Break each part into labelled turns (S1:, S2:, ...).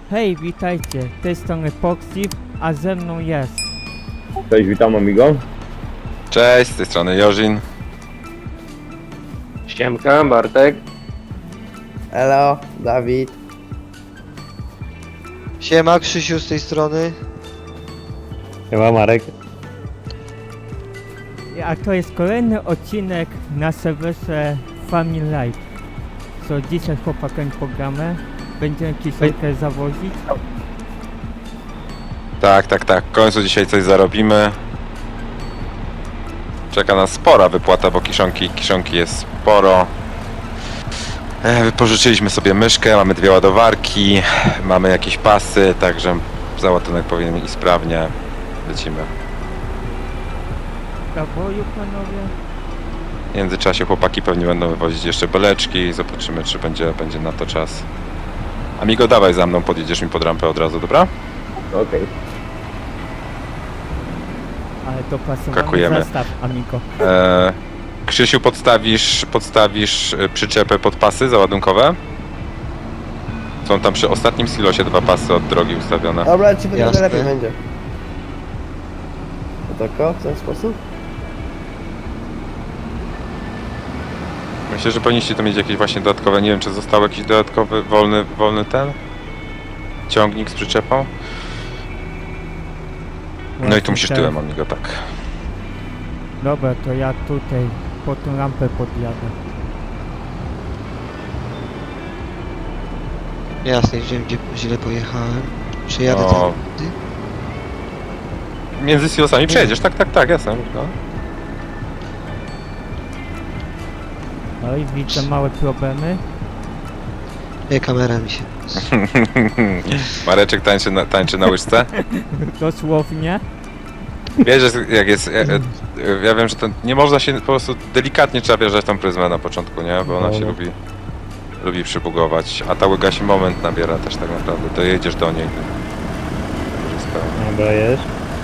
S1: Hej, witajcie, z tej strony Poxif, a ze mną jest...
S2: Cześć, witam amigo.
S3: Cześć, z tej strony Jorzin.
S4: Siemka, Bartek.
S5: Elo, Dawid.
S6: Siema, Krzysiu z tej strony.
S2: Siema Marek.
S1: A to jest kolejny odcinek na serwerze Family Life. Co dzisiaj z chłopakiem pogramy. Będziemy kiszonkę zawozić.
S3: Tak. W końcu dzisiaj coś zarobimy. Czeka nas spora wypłata, bo kiszonki jest sporo. Wypożyczyliśmy sobie myszkę, mamy 2 ładowarki, mamy jakieś pasy, także załadunek powinien iść sprawnie. Lecimy.
S1: Do boju, panowie.
S3: W międzyczasie chłopaki pewnie będą wywozić jeszcze beleczki. Zobaczymy, czy będzie na to czas. Amigo, dawaj za mną, podjedziesz mi pod rampę od razu, dobra?
S2: Okej.
S1: Ale dopasowany
S3: Skakujemy.
S1: zestaw, amigo.
S3: Krzysiu, podstawisz przyczepę pod pasy załadunkowe? Są tam przy ostatnim silosie 2 pasy od drogi ustawione.
S5: Dobra, ci będzie
S6: Jasne.
S5: lepiej będzie. To tako, w ten sposób?
S3: Myślę, że powinniście to mieć jakieś właśnie dodatkowe, nie wiem, czy został jakiś dodatkowy, wolny ten ciągnik z przyczepą. No i tu musisz tyłem, amigo, tak.
S1: Dobra, to ja tutaj po tą rampę podjadę.
S6: Jasne, wiem gdzie źle pojechałem. Przejadę
S3: O.
S6: tam.
S3: Między silosami przejedziesz, tak, jasne. No.
S1: No i widzę małe problemy.
S6: Nie, kamera mi się.
S3: Mareczek tańczy na łyżce.
S1: Dosłownie.
S3: Wiesz, że jak jest... Ja wiem, że to nie można się po prostu delikatnie trzeba wjeżdżać tą pryzmę na początku, nie? Bo ona się lubi przybugować, a ta łyga się moment nabiera też tak naprawdę. To jedziesz do niej.
S2: Dobra, jest.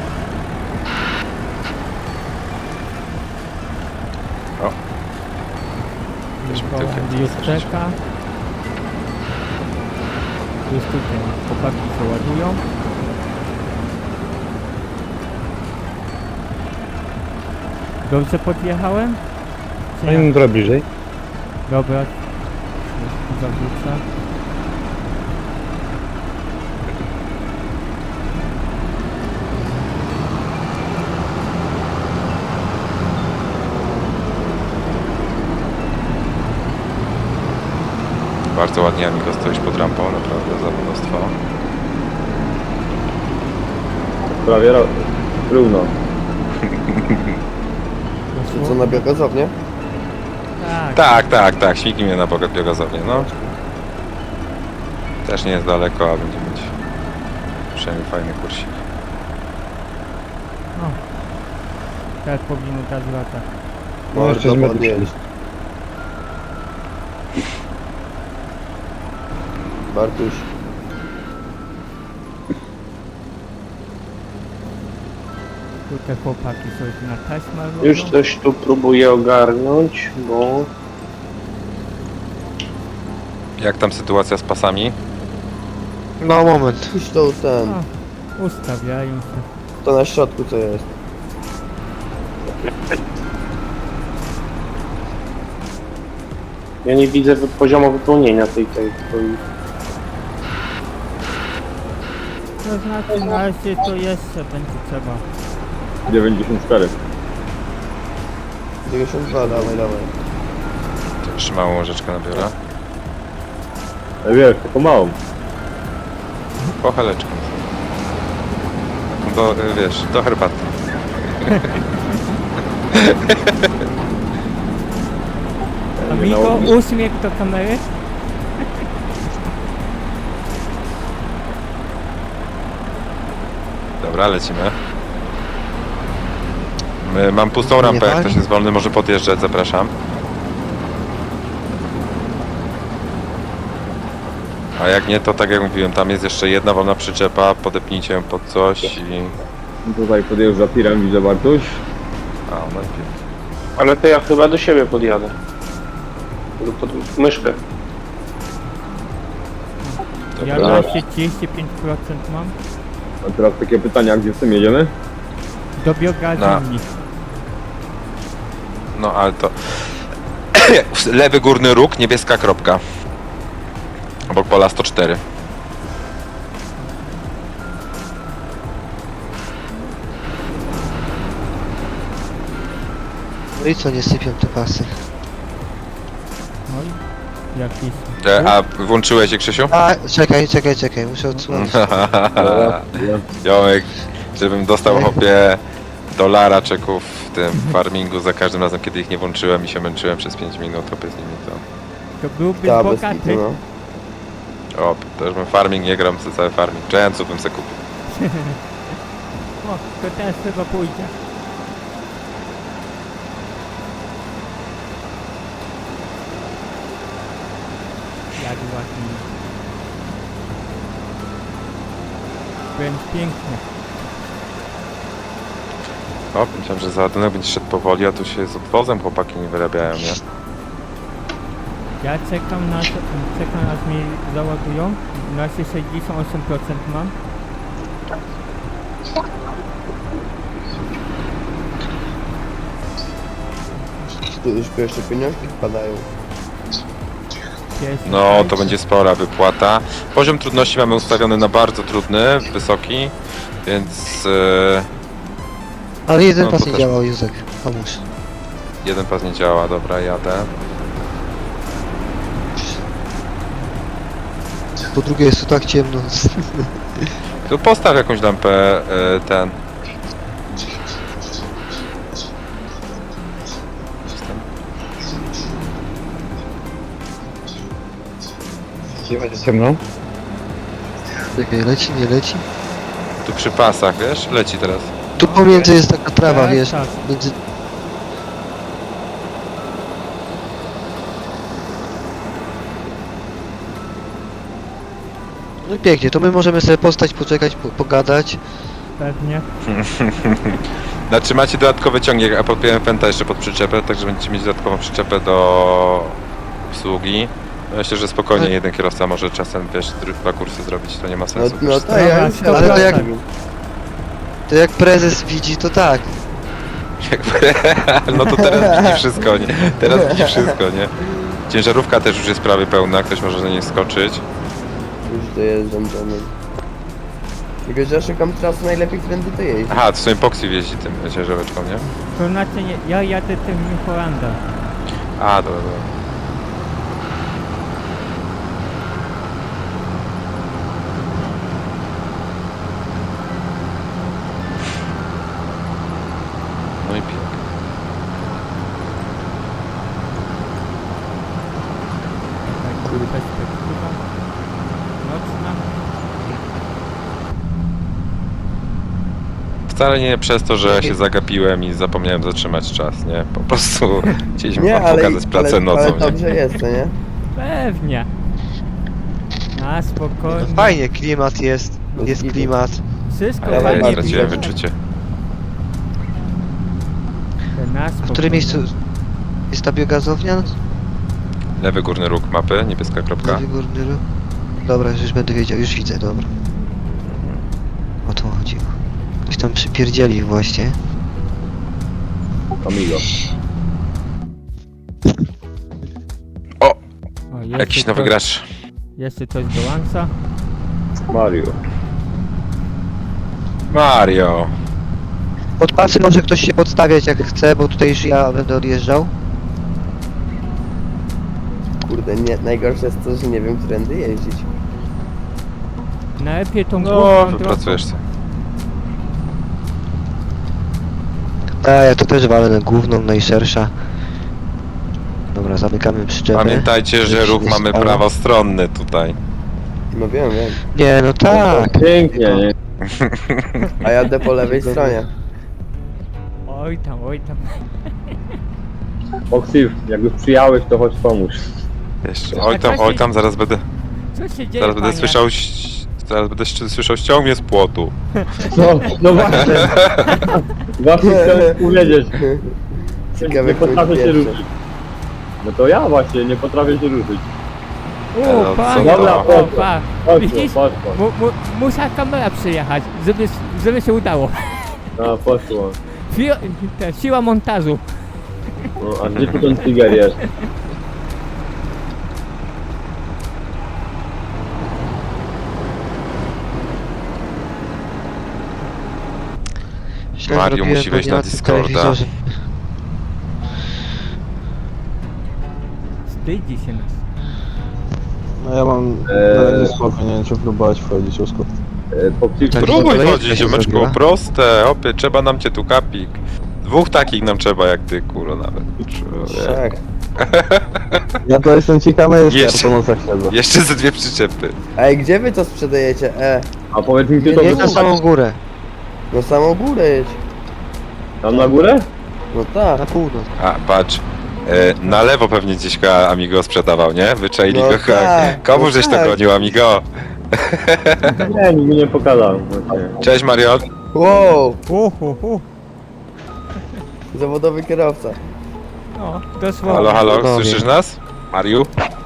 S3: Weźmy
S1: Nikola
S3: tyłkiem.
S1: już czeka. Już tutaj chłopaki się ładują. Dobrze podjechałem? Czy nie?
S2: trochę bliżej.
S1: Dobra. Zawrócę.
S3: Bardzo ładnie, amigo, stoisz pod rampą, naprawdę zawodowstwo.
S2: Prawie równo.
S5: Czy co na biogazownię?
S1: Tak.
S3: Śmigi mnie na biogazownię, no. Też nie jest daleko, a będzie mieć przynajmniej fajny kursik.
S1: No. Tak powinno dać lata.
S5: No, jeszcze podnieść. Bartuś.
S1: Tutaj chłopaki sobie na taśmę robią.
S4: Już coś tu próbuję ogarnąć, bo...
S3: Jak tam sytuacja z pasami?
S6: No moment.
S5: Puść to ten,
S1: No, ustawiają się.
S5: to na środku co jest.
S4: Ja nie widzę poziomu wypełnienia tej.
S1: To znaczy na razie to jeszcze będzie trzeba.
S2: 94.
S5: 92, dawaj.
S3: To jeszcze małą łyżeczkę nabiorę.
S2: Wiesz, taką małą.
S3: Pocheleczkę. Do, wiesz, do herbaty.
S1: Amigo, uśmiech do kamery.
S3: Dobra, lecimy. Mam pustą rampę, jak ktoś jest wolny, może podjeżdżać, zapraszam. A jak nie, to tak jak mówiłem, tam jest jeszcze jedna wolna przyczepa, podepnijcie ją pod coś i...
S2: Tutaj podjeżdża tirem, widzę Bartuś.
S3: A, no i pięknie.
S4: Ale to ja chyba do siebie podjadę. Lub pod myszkę.
S1: Ja
S2: Dobra.
S1: na się 35% mam.
S2: A teraz takie pytania, gdzie z tym jedziemy?
S1: Do biogazowni.
S3: No ale to... Lewy górny róg, niebieska kropka. Obok pola 104.
S6: No i co, nie sypią te pasy.
S1: Oj, jakiś...
S3: A włączyłeś je, Krzysiu?
S6: A, czekaj, muszę odsłonić.
S2: Dobra.
S3: Jomek, żebym dostał hopie dolara czeków w tym farmingu za każdym razem, kiedy ich nie włączyłem i się męczyłem przez 5 minut, hopie z nimi
S1: To byłby
S5: Ta, bez
S1: bogaty.
S5: kitu, no.
S3: to... to już bym farming nie gram, cały farming. Giantsów bym se kupił.
S1: O, to teraz chyba pójdzie. Jak ładnie. Wręcz pięknie.
S3: O, myślałem, że załadunek będzie szedł powoli, a tu się z obwozem chłopaki nie wyrabiają, nie?
S1: Ja czekam aż mi załadują. Na razie 68% mam.
S5: Tu już pierwsze pieniążki wpadają.
S1: Jest
S3: No, to będzie spora wypłata. Poziom trudności mamy ustawiony na bardzo trudny, wysoki, więc
S6: Ale jeden
S3: No,
S6: pas
S3: to
S6: nie
S3: też-
S6: działał, Józek. Pomóż.
S3: jeden pas nie działa. Dobra, jadę.
S6: Po drugie jest tu tak ciemno.
S3: Tu postaw jakąś lampę, ten.
S6: Czekaj, leci, nie leci?
S3: Tu przy pasach, wiesz? Leci teraz.
S6: Tu pomiędzy jest taka trawa,
S1: Tak,
S6: wiesz,
S1: tak.
S6: między... No i pięknie, to my możemy sobie postać, poczekać, pogadać.
S1: Pewnie.
S3: Znaczy macie dodatkowy ciągnik, a podpiąłem Fenta jeszcze pod przyczepę, także będziecie mieć dodatkową przyczepę do obsługi. Myślę, że spokojnie jeden kierowca może czasem, wiesz, dwa kursy zrobić, to nie ma
S5: No,
S3: sensu.
S5: no
S3: Wiesz,
S5: to ja
S1: Dobra,
S5: już
S1: dobra,
S6: ale to jak-
S5: zostawił.
S6: To jak prezes widzi, to tak.
S3: No to teraz widzi wszystko, nie? Teraz widzi wszystko, nie? Ciężarówka też już jest prawie pełna, ktoś może na niej skoczyć.
S5: Już dojeżdżam do niej. Tylko, że ja szukam trasy najlepiej, którędy to jeździ.
S3: Aha, to sobie Poxy jeździ tym ciężarówką, nie?
S1: To znaczy nie, ja jadę tym New Hollandem.
S3: A, dobra, dobra. No i pięknie.
S1: Taka perspektywa. Nocna.
S3: Wcale nie przez to, że ja się zagapiłem i zapomniałem zatrzymać czas, nie? Po prostu chcieliśmy wam pokazać pracę nocą,
S5: ale
S3: nie?
S5: dobrze jest, to nie?
S1: Pewnie. Na spokojnie.
S6: Fajnie, klimat jest, jest klimat.
S1: Wszystko
S5: Ale
S3: Ja
S1: fajnie.
S5: najbardziej
S3: straciłem
S5: dobrze.
S3: wyczucie.
S1: Na
S6: W
S1: spokojnie.
S6: którym miejscu jest ta biogazownia?
S3: Lewy górny róg mapy, niebieska kropka.
S6: Lewy górny róg. Dobra, już będę wiedział, już widzę, dobra. O to chodziło. Ktoś tam przypierdzieli właśnie.
S2: Amigo.
S3: O!
S1: O, jeszcze
S3: Jakiś nowy
S1: coś-
S3: gracz.
S1: Jeszcze coś do lanca.
S2: Mario.
S3: Mario!
S6: Pod pasy może ktoś się podstawiać jak chce, bo tutaj już ja będę odjeżdżał.
S5: Kurde, nie, najgorsze jest to, że nie wiem, którędy jeździć.
S1: Najlepiej tą
S3: No,
S1: główną drogą.
S3: wypracujesz się.
S6: Ja to też walę na główną, najszersza. Dobra, zamykamy przyczepę.
S3: Pamiętajcie, że
S6: Nic
S3: ruch
S6: nie
S3: mamy
S6: stało.
S3: prawostronny tutaj.
S5: No wiem.
S6: Nie, no tak.
S2: Pięknie, nie?
S5: A jadę po lewej stronie.
S1: Oj tam, oj tam.
S2: Foxy, jak już przyjałeś, to chodź pomóż.
S3: Jeszcze.
S1: A
S3: Oj tam, zaraz będę,
S1: Co się dzieje,
S3: zaraz będę
S1: panie?
S3: słyszał, słyszał ściągnie z płotu.
S2: No właśnie. Właśnie chciałem powiedzieć.
S5: Ciekawe,
S2: Nie
S5: kto
S2: potrafię się
S5: pierwszy.
S2: ruszyć. No to ja właśnie, nie potrafię się ruszyć.
S3: No,
S1: pan,
S2: dobra,
S1: o,
S2: poszło.
S1: pa.
S2: Poszło,
S1: Widzisz?
S2: poszło.
S1: Musiała kamera przyjechać, żeby się udało.
S2: No, poszło.
S1: Siła montażu.
S2: No, a gdzie tu ten tiger jest?
S6: Źle
S3: Mario
S6: zrobiłem,
S3: musi
S6: bo
S3: wejść
S6: nie
S3: na
S6: ma tu
S3: Discorda.
S6: telewizorze.
S1: Wstydzi się nas.
S7: No ja mam na razie spoko, nie wiem czy próbować wchodzić usko.
S2: Poprzez
S6: Tak.
S3: Próbuj
S6: Kolejka
S3: chodzić,
S6: się
S3: ziomeczku,
S6: zrobiła.
S3: proste, opie, trzeba nam cię tu kapik. 2 takich nam trzeba jak ty, kurwa nawet. Człowiek.
S5: Tak.
S7: Ja to jestem ciekawy,
S3: Jeszcze.
S7: jeszcze po nocach siedzę.
S3: Jeszcze ze 2 przyczepy.
S5: Ej, gdzie wy to sprzedajecie?
S2: A powiedz mi, gdzie to
S6: Jedź na
S2: wysyłać?
S6: samą górę,
S5: No samą górę jedź.
S2: Tam na górę?
S5: No tak.
S6: na północ.
S3: A, patrz. Na lewo pewnie gdzieś go Amigo sprzedawał, nie? Wyczaili
S5: No
S3: go.
S5: tak,
S3: Komu
S5: no
S3: żeś to
S5: tak.
S3: gonił, Amigo?
S2: Nie, nikt mi nie pokazał. Właśnie.
S3: Cześć, Mario.
S5: Wow,
S1: Uhuhu.
S5: zawodowy kierowca.
S1: No, dosłownie.
S3: Halo, halo,
S6: Panowie.
S3: słyszysz nas? Mariu?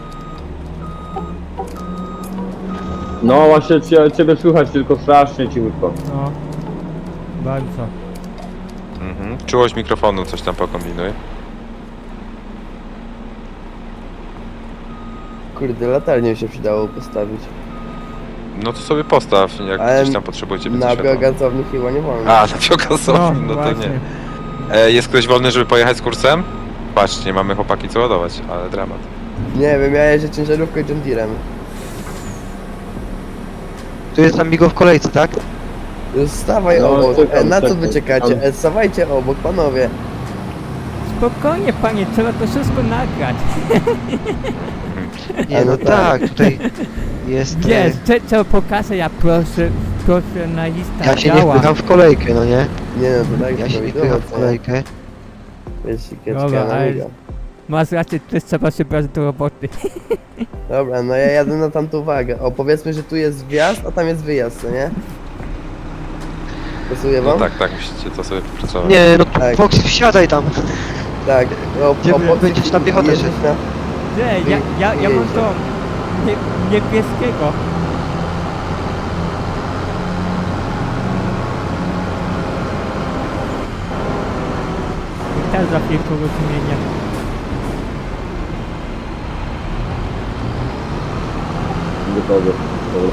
S2: No właśnie ciebie słychać, tylko strasznie cichutko.
S1: No, bardzo.
S3: Mhm. Czułość mikrofonu, coś tam pokombinuj.
S5: Kurde, latarnię się przydało postawić.
S3: No to sobie postaw, jak
S5: Ale
S3: gdzieś tam potrzebujecie
S5: Na
S3: światła.
S5: biogazowni chyba nie wolno.
S3: A, na biogazowni, no to
S1: właśnie.
S3: nie. Jest ktoś wolny, żeby pojechać z kursem? Patrz, nie mamy chłopaki co ładować, ale dramat.
S5: Nie wiem, ja jeżdżę ciężarówką i John Deerem.
S6: Tu jest Amigo w kolejce, tak?
S5: Stawaj
S2: No,
S5: obok.
S2: czekam,
S5: Na co
S2: czekam,
S5: wy czekacie?
S2: czekam.
S5: Stawajcie obok, panowie.
S1: Spokojnie, panie, trzeba to wszystko nagrać.
S6: Nie, no
S5: no tak.
S6: tak, tutaj jest...
S1: Wiesz, trzeba pokazać, ja profesjonalista
S6: Ja się nie
S1: działa.
S6: wpycham w kolejkę, no nie?
S5: Nie no, to tak
S6: Ja się nie
S5: wiadomo,
S6: wpycham w
S5: co.
S6: kolejkę.
S5: Wyścigeczka
S1: Dobra,
S5: na
S1: ale-
S5: miga.
S1: Masz rację, też trzeba się brać do roboty.
S5: Dobra, no ja jadę na tamtą wagę. O, powiedzmy, że tu jest wjazd, a tam jest wyjazd, co nie? Pasuje
S3: No
S5: wam?
S3: tak, tak, musicie to sobie wypracować.
S6: Nie, no
S5: Tak.
S6: Fox, wsiadaj tam.
S5: Tak.
S6: Gdzie będziesz na piechotę
S5: jedziesz
S6: szedł?
S5: na...
S1: Nie, ja mam to niebieskiego. I też za chwilkę rozmienię.
S2: Gotowe. Dobra.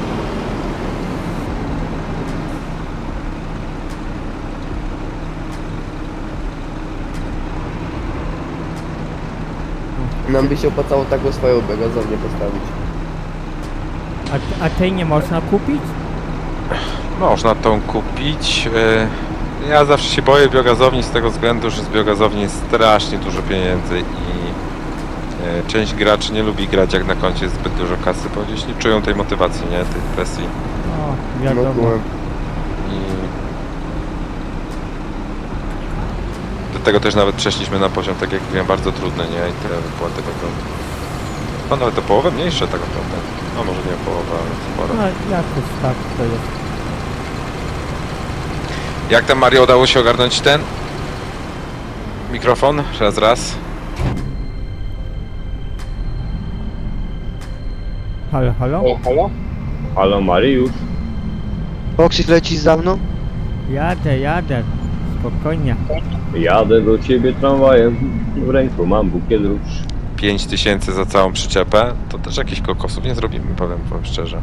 S5: Nam by się opłacało taką swoją biogazownię postawić.
S1: A tej nie można kupić?
S3: Można tą kupić. Ja zawsze się boję biogazowni z tego względu, że z biogazowni jest strasznie dużo pieniędzy i część graczy nie lubi grać jak na koncie jest zbyt dużo kasy, bo gdzieś nie czują tej motywacji, nie? Tej presji.
S1: O,
S5: No,
S1: wiadomo.
S5: kumam.
S3: I do tego też nawet przeszliśmy na poziom, tak jak mówiłem, bardzo trudny, nie? I te wypłaty będą no nawet o połowę mniejsze tak naprawdę. No może nie o połowę, ale sporo.
S1: No jakoś tak to jest.
S3: Jak tam Mario udało się ogarnąć ten mikrofon? Raz.
S1: Halo, halo?
S2: Halo Mariusz.
S6: Foxy lecisz za mną?
S1: Jadę. Spokojnie.
S2: Jadę do ciebie tramwajem. W ręku mam bukiet róż.
S3: 5000 za całą przyczepę, to też jakichś kokosów nie zrobimy, powiem wam szczerze.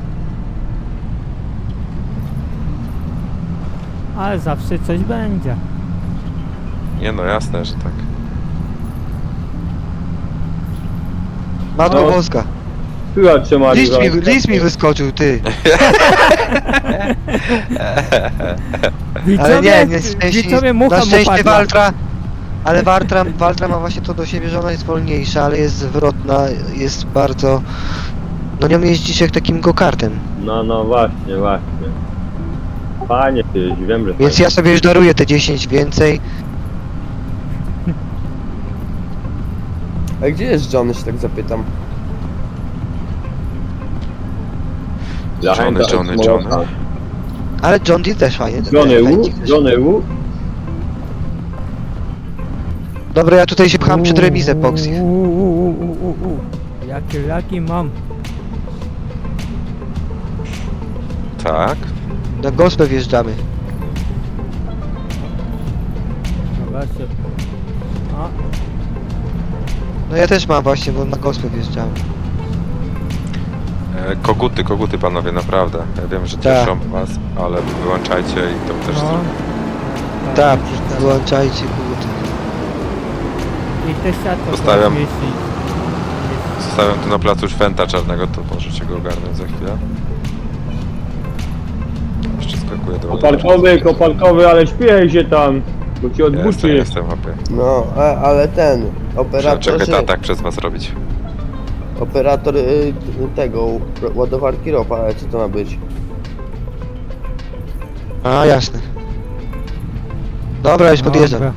S1: Ale zawsze coś będzie.
S3: Nie no, jasne, że tak.
S6: Matko
S2: No.
S6: Boska.
S2: Słychać cię Mariusz.
S6: List mi wyskoczył, ty.
S1: Widzowie,
S6: Ale nie,
S1: widzowie mucha
S6: na
S1: mu
S6: szczęście
S1: padła.
S6: Waltra ma właśnie to do siebie, że ona jest wolniejsza, ale jest zwrotna, jest bardzo... No nią jeździsz jak takim go-kartem.
S2: No właśnie. Panie ty, wiem, że
S6: Więc ja sobie już daruję te 10 więcej.
S5: A gdzie jest Johnny, się tak zapytam?
S2: Zachęta
S3: Johnny.
S2: od Smolaka.
S6: Ale John Deere też fajnie.
S2: Johnny Wu.
S6: Dobra, ja tutaj się pcham przed remizę, Foxy.
S1: Jakie laki mam.
S3: Tak.
S6: Na gospę wjeżdżamy.
S1: Zobaczcie. O,
S6: No ja też mam właśnie, bo na gospę wjeżdżamy.
S3: Koguty panowie, naprawdę. Ja wiem, że
S6: Tak.
S3: cieszą was, ale wyłączajcie i to też
S1: no.
S3: zrobię.
S6: Tak, wyłączajcie kurde.
S1: I te światło
S3: Zostawiam.
S1: jeśli...
S3: Zostawiam tu na placu Szwęta Czarnego, to możecie go ogarnąć za chwilę. Jeszcze skakuję do
S2: Koparkowy, ale śpiej się tam, bo ci odbuczy.
S3: Jestem hopie.
S5: No, ale ten operator,
S3: Czekaj, to tak przez was robić.
S5: operator tego ładowarki ropa, ale co to ma być?
S6: A, jasne. Dobra, już podjeżdżam.
S1: Dobra.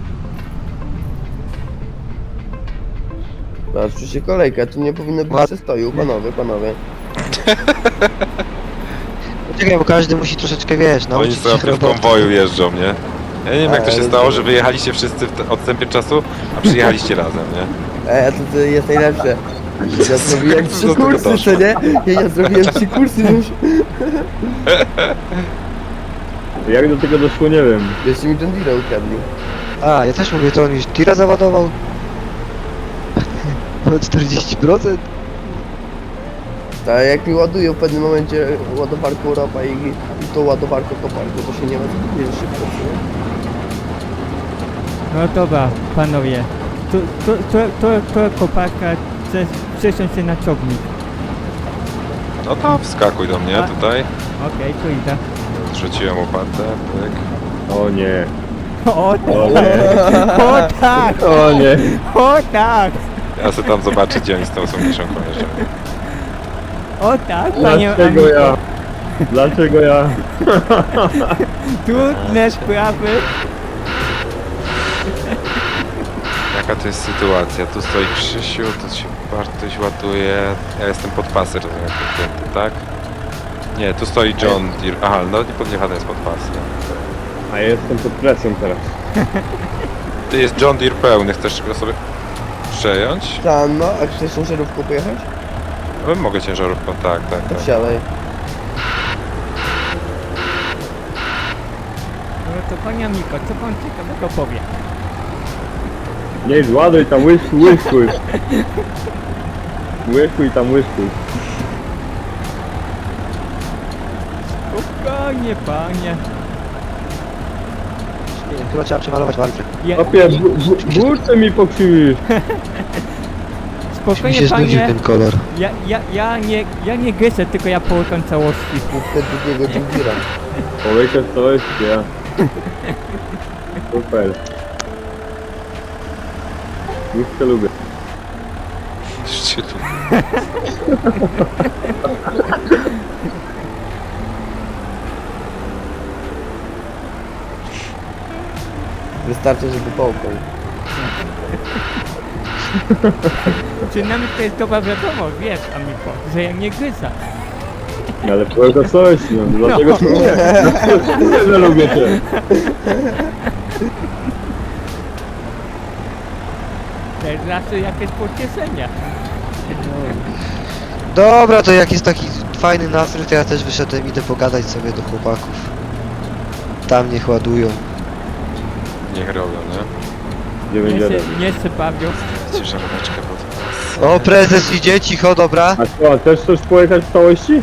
S5: Patrzcie kolejkę, tu nie powinno być
S6: Ład-
S5: przestoju, panowie.
S6: Czekaj, bo każdy musi troszeczkę, wiesz,
S3: Oni
S6: nauczyć
S3: sobie
S6: się
S3: w
S6: roboty.
S3: konwoju jeżdżą, nie? Ja nie wiem jak to się
S5: Ale
S3: stało,
S5: to-
S3: że wyjechaliście wszyscy w odstępie czasu, a przyjechaliście razem, nie?
S5: A to jest najlepsze. Ja zrobiłem
S3: Co
S5: 3
S3: do tego
S5: kursy,
S3: doszło?
S5: co nie? Ja zrobiłem 3 kursy już.
S2: Jak do tego doszło, nie wiem.
S5: Jeszcze mi John Deere ukradli.
S6: A, ja też mówię, to on już tira załadował. O 40%?
S5: A jak mi ładują w pewnym momencie ładowarką ropa i tą ładowarką koparką, to się nie ma co powiedzieć szybko, co nie?
S1: No dobra, panowie. To koparka przesiąść się na ciągnik.
S3: No to wskakuj do mnie
S1: A?
S3: tutaj.
S1: Okej, tu idę.
S3: Zrzuciłem łopatę, pyk.
S2: O nie.
S1: O
S2: O
S1: tak!
S2: nie.
S1: O tak!
S2: O nie.
S1: O tak!
S3: Ja sobie tam zobaczę, gdzie oni z tą sąsiedzką jeżdżą.
S1: O tak, panie
S2: Dlaczego
S1: Amiko.
S2: ja? Dlaczego ja?
S1: Trudne sprawy.
S3: Jaka to jest sytuacja? Tu stoi Krzysiu, tu się Bartuś ładuje. Ja jestem pod pasy, rozumiem, podpięty, tak? Nie, tu stoi John Deere. Aha, no nie podjechany jest pod pas. Nie.
S2: A ja jestem pod presją teraz.
S3: Ty jest John Deere pełny, chcesz go sobie przejąć?
S5: Tam, no, a chcesz ciężarówką pojechać?
S3: No, mogę ciężarówką, tak.
S5: To wsiadaj.
S1: No to panie Amiko, co pan ciekawego powie?
S2: Nie, zładuj tam łyskuj. Łykuj tam łyskuj.
S1: Spokojnie, panie.
S6: Nie wiem, chyba trzeba przemalować walkę.
S2: Opie, burtę mi pokrzywisz.
S6: Mi
S1: Spokojnie,
S6: się znudził
S1: panie.
S6: ten kolor.
S1: Ja nie gryzę, tylko ja połykam całości.
S5: Wtedy drugiego John Deere'a.
S2: Powiecie coś, ja. Super. Już cię lubię.
S3: Szczytu.
S5: Wystarczy, żeby połknął.
S1: Przynajmniej to jest dobra wiadomość, wiesz, Amiko, że ja nie gryzę.
S2: Ale powiecie coś, no dlatego cię lubię. Dlatego, że lubię cię.
S1: To jest zawsze jakieś pocieszenie.
S6: Dobra, to jak jest taki fajny nastrój, to ja też wyszedłem, idę pogadać sobie do chłopaków. Tam niech ładują.
S3: Niech robią, nie?
S2: Gdzie będzie robić?
S1: Nie się bawią.
S3: Ciężaróweczkę pod pas.
S6: O, prezes idzie, cicho, dobra.
S2: A co, a też chcesz pojechać w całości?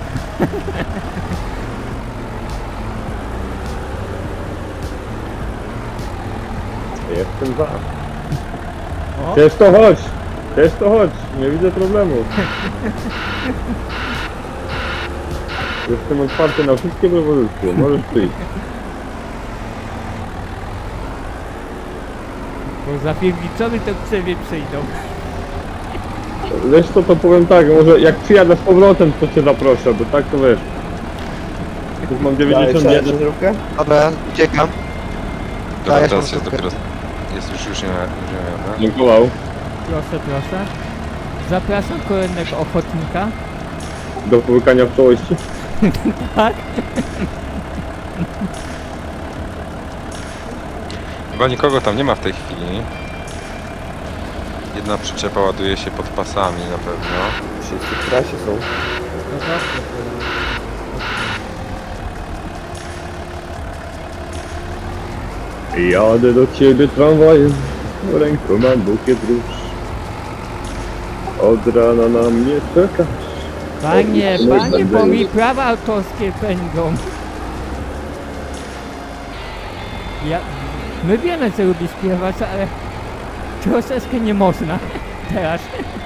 S2: Jestem za.
S1: O,
S2: Też to chodź! Też to chodź! Nie widzę problemu. Jestem otwarty na wszystkie propozycje. Możesz przyjść.
S1: bo za piernicowy to k sobie przyjdą.
S2: Wiesz co, to powiem tak, może jak przyjadę z powrotem, to cię zaproszę, bo tak to wiesz. Już mam
S5: Dalej,
S2: 91.
S5: ciężarówkę?
S6: Dobra, uciekam.
S3: Dobra,
S6: ja
S3: teraz
S6: mam
S3: jest
S6: stopkę.
S3: dopiero... Jest już nie ma.
S2: Dziękował.
S1: Proszę. Zapraszam kolejnego ochotnika.
S2: Do połykania w całości.
S1: Tak?
S3: Chyba nikogo tam nie ma w tej chwili. Jedna przyczepa ładuje się pod pasami na pewno.
S5: Wszyscy w trasie są.
S1: No dobrze.
S2: Jadę do ciebie tramwajem, w ręku mam bukiet róż. Od rana na mnie czekasz.
S1: Panie,
S2: No,
S1: panie,
S2: będę-
S1: bo mi prawa autorskie pędzą. My wiemy, co lubi śpiewać, ale troszeczkę nie można teraz.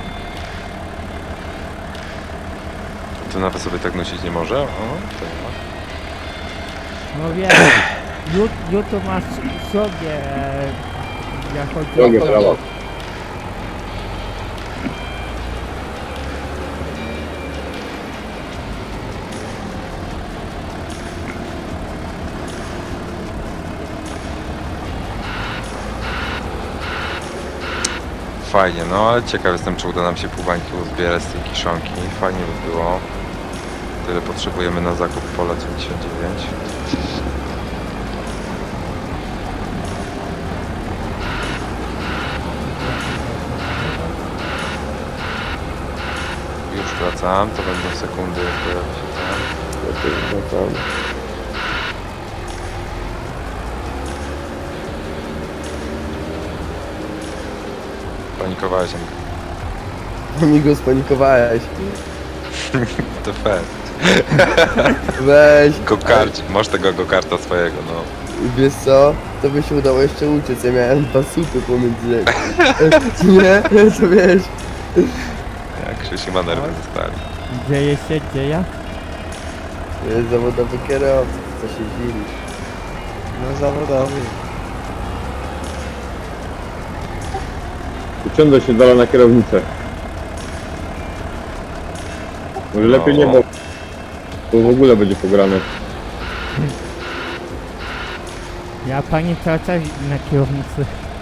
S3: To nawet sobie tak nosić nie może? O, to nie ma.
S1: No wiem, YouTube masz sobie, jak chodzi
S2: Drogie prawa.
S3: Fajnie, no ale ciekaw jestem, czy uda nam się półbańki uzbierać z tej kiszonki. Fajnie by było. Tyle potrzebujemy na zakup pola 99. Już wracam, to będą sekundy, jak pojawi się tam. Panikowałeś,
S5: Mi go spanikowałeś.
S3: to fair.
S5: Weź.
S3: Go-kart, masz tego go-karta swojego, no.
S5: Wiesz co? To by się udało jeszcze uciec, ja miałem dwa słupy pomiędzy. Nie? To wiesz.
S3: Jak Krzysiu ma nerwy zostali.
S1: dzieje się, dzieje.
S5: To jest zawodowy kierowca, co się dziwisz.
S6: No zawodowy.
S2: Uciągnę się dalej na kierownicę. Może lepiej nie, bo w ogóle będzie pograne.
S1: Ja pani tracę na kierownicy.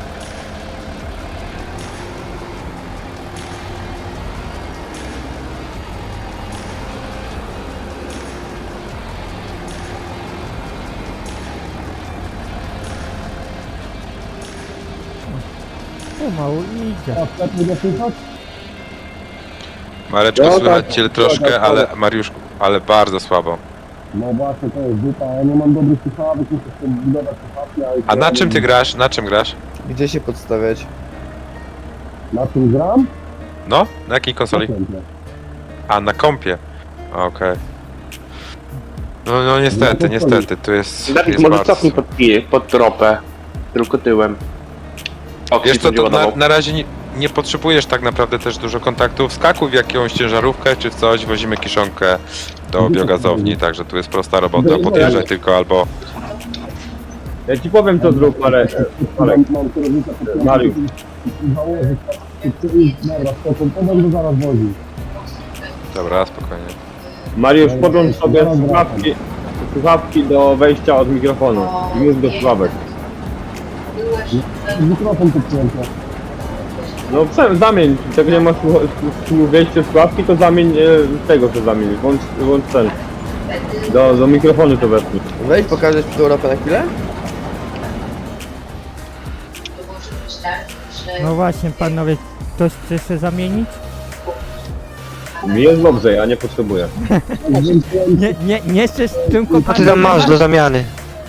S1: Pomału idzie.
S3: Mareczko,
S2: No
S3: słychać
S2: tak,
S3: cię
S2: tak,
S3: troszkę,
S2: tak.
S3: ale Mariuszku, ale bardzo słabo.
S7: No właśnie, to jest dupa, ja nie mam dobrych słuchawek, muszę sobie budować słuchawki,
S3: A na czym ty grasz? Na czym grasz?
S5: Gdzie się podstawiać?
S7: Na czym gram?
S3: No? Na jakiej konsoli? A, na kompie. Okej. No niestety, tu jest
S4: Dawid, może
S3: bardzo...
S4: cofnij pod tropę. Tylko tyłem. O,
S3: Wiesz co,
S4: będzie
S3: to
S4: ładował.
S3: na razie nie potrzebujesz tak naprawdę też dużo kontaktów. Wskakuj w jakąś ciężarówkę czy w coś, wozimy kiszonkę do biogazowni, także tu jest prosta robota. Podjeżdżaj tylko albo...
S2: Ja ci powiem co zrób, ale...
S7: Mam kierownicę pod
S2: Mariusz.
S7: założyć, dobra, spoko, to będę zaraz woził.
S3: Dobra, spokojnie.
S2: Mariusz, podłącz sobie słuchawki do wejścia od mikrofonu i mów do słuchawek.
S7: Mikrofon podpięty.
S2: No zamień, jak nie masz wejścia słuchawki, to zamień tego co zamień, włącz ten. Do mikrofonu to wepnij.
S5: Weź pokażesz mi Europę na chwilę?
S1: No właśnie, panowie, ktoś chce się zamienić?
S2: Mi jest dobrze, ja nie potrzebuję.
S1: Nie chcesz tylko
S6: Co ty tam masz do zamiany?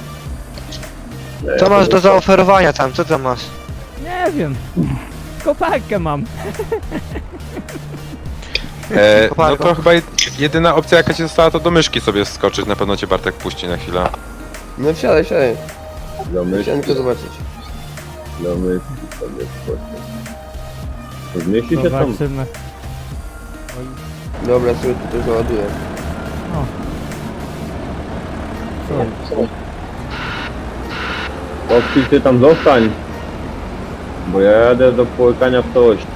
S6: Co masz do zaoferowania tam? Co tam masz?
S1: Nie wiem. Koparkę mam.
S3: No to chyba jedyna opcja jaka ci została to do myszki sobie wskoczyć, na pewno cię Bartek puści na chwilę.
S5: No wsiadaj. Chciałem
S2: Domyśl,
S5: tylko zobaczyć.
S2: domyśl sobie skoczę. Zmieści się tam.
S1: Zobaczymy.
S5: Dobra, sobie tutaj załaduję.
S2: Kopci, ty tam zostań. Bo ja jadę do połykania w całości.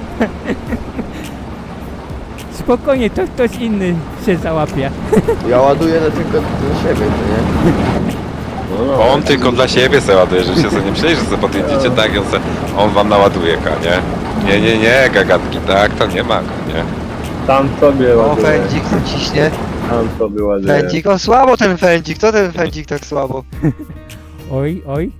S1: Spokojnie, to ktoś inny się załapie.
S5: Ja ładuję tylko do siebie, to nie?
S2: No,
S3: On tylko dla siebie se ładuje, że się sobie nie myśleli, że sobie podjedziecie tak, on wam naładuje, nie? Nie, gagatki, tak, to nie ma, nie?
S2: tam sobie
S6: O,
S2: ładuję.
S6: fędzik tu ciśnie.
S2: Tam sobie ładuję.
S6: Fędzik, o słabo ten fędzik, co ten fędzik tak słabo?
S1: Oj.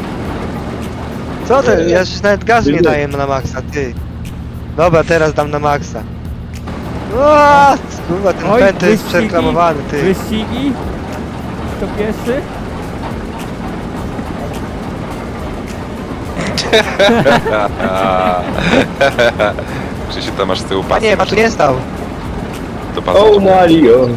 S6: Co ten, ja już nawet gazu nie daję na maksa, ty. Dobra, teraz dam na maksa. O, kurwa, ten
S1: Oj,
S6: pęd to jest
S1: wyścigi,
S6: przereklamowany, ty.
S1: Wyścigi? Kto pierwszy?
S3: Krzysiu, tam masz z tyłu
S6: A
S3: pasy.
S6: nie, a tu nie stał.
S3: Do pasu.
S2: O Mario!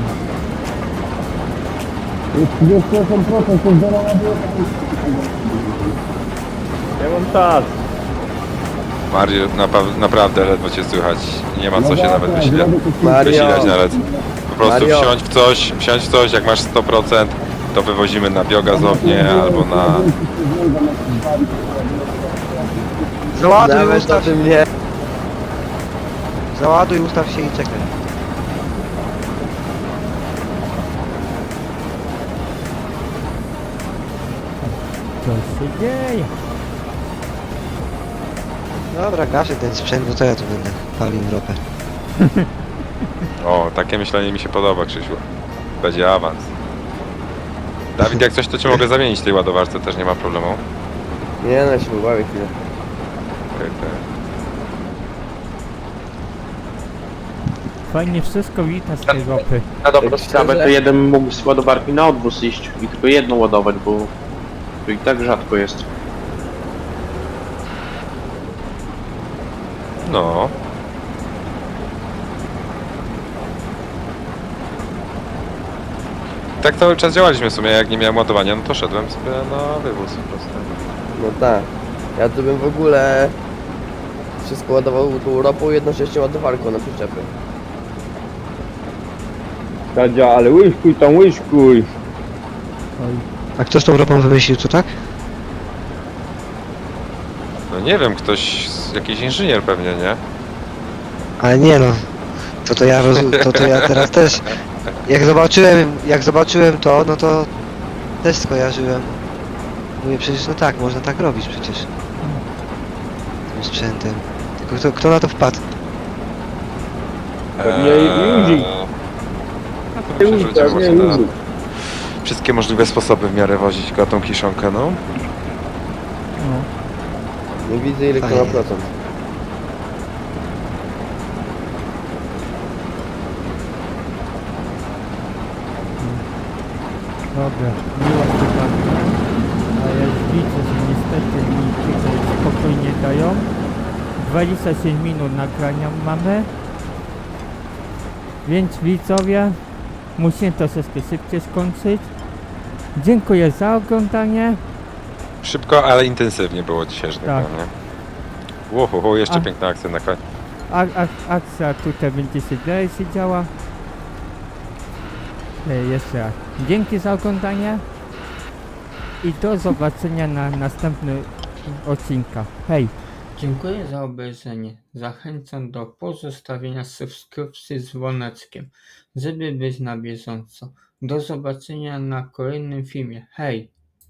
S2: Ja mam czas.
S3: Mario, naprawdę ledwo cię słychać. Nie ma co się nawet
S5: Mario,
S3: wysilać nawet. Po prostu
S5: Mario.
S3: wsiądź w coś, jak masz 100%, to wywozimy na biogazownię albo na...
S6: Załaduj,
S5: nawet o
S6: ustaw się.
S5: tym nie.
S6: Załaduj, ustaw się i czekaj.
S1: Co się dzieje?
S6: Dobra, gaszę ten sprzęt, bo to ja tu będę palił ropę.
S3: O, takie myślenie mi się podoba, Krzysiu. Będzie awans. Dawid, jak coś, to cię mogę zamienić w tej ładowarce, też nie ma problemu.
S5: Nie, no się pobawię chwilę.
S3: Okej.
S1: Fajnie wszystko widać z tej ropy.
S4: Na dobrą
S5: Tak
S4: sprawę
S5: szczerze?
S4: to jeden mógł z ładowarki na odwóz iść i tylko jedną ładować, bo to i tak rzadko jest.
S3: No. Tak cały czas działaliśmy w sumie, jak nie miałem ładowania, no to szedłem sobie na wywóz po prostu.
S5: No tak. Ja tu bym w ogóle wszystko ładował tą ropą, jednocześnie ładowarką na przyczepy.
S2: Tadzia, ale łyżkuj tam, łyżkuj.
S6: A kto z tą ropą wymyślił, co tak?
S3: No nie wiem, ktoś, jakiś inżynier pewnie, nie?
S6: Ale nie no. To ja to ja teraz też. Jak zobaczyłem to, no to też skojarzyłem. Mówię, przecież no tak, można tak robić przecież. Tym sprzętem. Tylko kto na to wpadł?
S2: Pewnie Józik.
S3: No to myślę, że będziemy
S2: Pewnie
S3: można na
S2: Józik.
S3: wszystkie możliwe sposoby w miarę wozić go tą kiszonkę, no.
S1: No.
S5: Nie widzę ile to ma procent.
S1: Dobra, miło się bawię, ale widzę, że niestety mi tutaj spokojnie dają. 27 minut nagrania mamy. Więc widzowie, musimy troszeczkę szybciej skończyć. Dziękuję za oglądanie.
S3: Szybko, ale intensywnie było dzisiaj, że
S1: Tak.
S3: tak powiem, nie? Łoho, jeszcze
S1: A-
S3: piękna akcja na koniec.
S1: Akcja tutaj będzie się dalej się działa. Jeszcze raz. Dzięki za oglądanie. I do zobaczenia na następnym odcinku. Hej! Dziękuję za obejrzenie. Zachęcam do pozostawienia subskrypcji z dzwoneczkiem, żeby być na bieżąco. Do zobaczenia na kolejnym filmie. Hej!